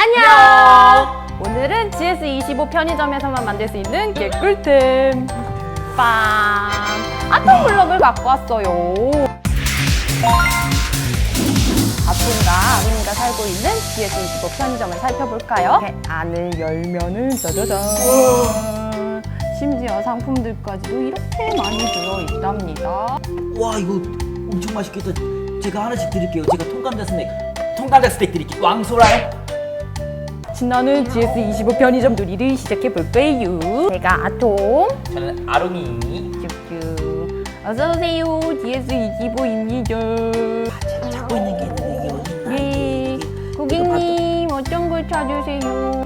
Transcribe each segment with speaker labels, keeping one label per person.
Speaker 1: 안녕! 오늘은 GS25 편의점에서만 만들 수 있는 개꿀템 빵! 아톰 블럭을 갖고 왔어요. 아톰과 아린이가 살고 있는 GS25 편의점을 살펴볼까요? 이렇게 안을 열면은 짜자잔! 심지어 상품들까지도 이렇게 많이 들어있답니다.
Speaker 2: 와, 이거 엄청 맛있겠다. 제가 하나씩 드릴게요. 제가 통감자 스낵 드릴게요. 왕소라요?
Speaker 1: 신나는 GS25 편의점 놀이를 시작해볼까요? 제가 아톰,
Speaker 2: 저는 아롱이.
Speaker 1: 쭈쭈. 어서오세요, GS25입니다.
Speaker 2: 제가 찾고 있는 게 있는데 이게 어디 있나?
Speaker 1: 네, 고객님 어떤 걸 찾으세요?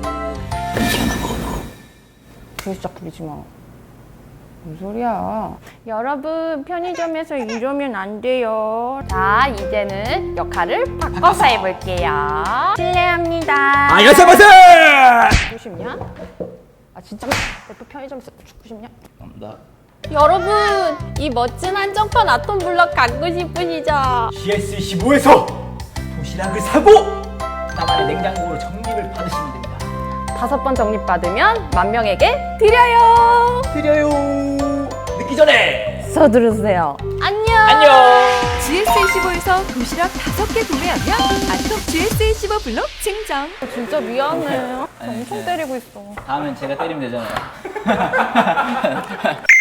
Speaker 1: 진짜 부리지 마. 무슨 소리야? 여러분, 편의점에서 이러면 안 돼요. 자, 이제는 역할을 바꿔서 해볼게요. 실례합니다.
Speaker 2: 아, 여쭤보세요!
Speaker 1: 죽고 싶냐? 아, 진짜 대표 편의점에서 죽고 싶냐?
Speaker 2: 감사합니다.
Speaker 1: 여러분, 이 멋진 한정판 아톰 블럭 갖고 싶으시죠?
Speaker 2: GS15에서 도시락을 사고 나만의 냉장고로 적립을 받으시면 됩니다.
Speaker 1: 5번 적립받으면 10,000명에게 드려요.
Speaker 2: 드려요. 늦기 전에
Speaker 1: 서두르세요. 안녕.
Speaker 2: 안녕.
Speaker 3: GS25에서 도시락 5개 구매하면 아톰 GS25 블록 증정.
Speaker 1: 진짜 미안해.
Speaker 2: 아니,
Speaker 1: 엄청
Speaker 2: 네.
Speaker 1: 때리고 있어.
Speaker 2: 다음엔 제가 때리면 되잖아요.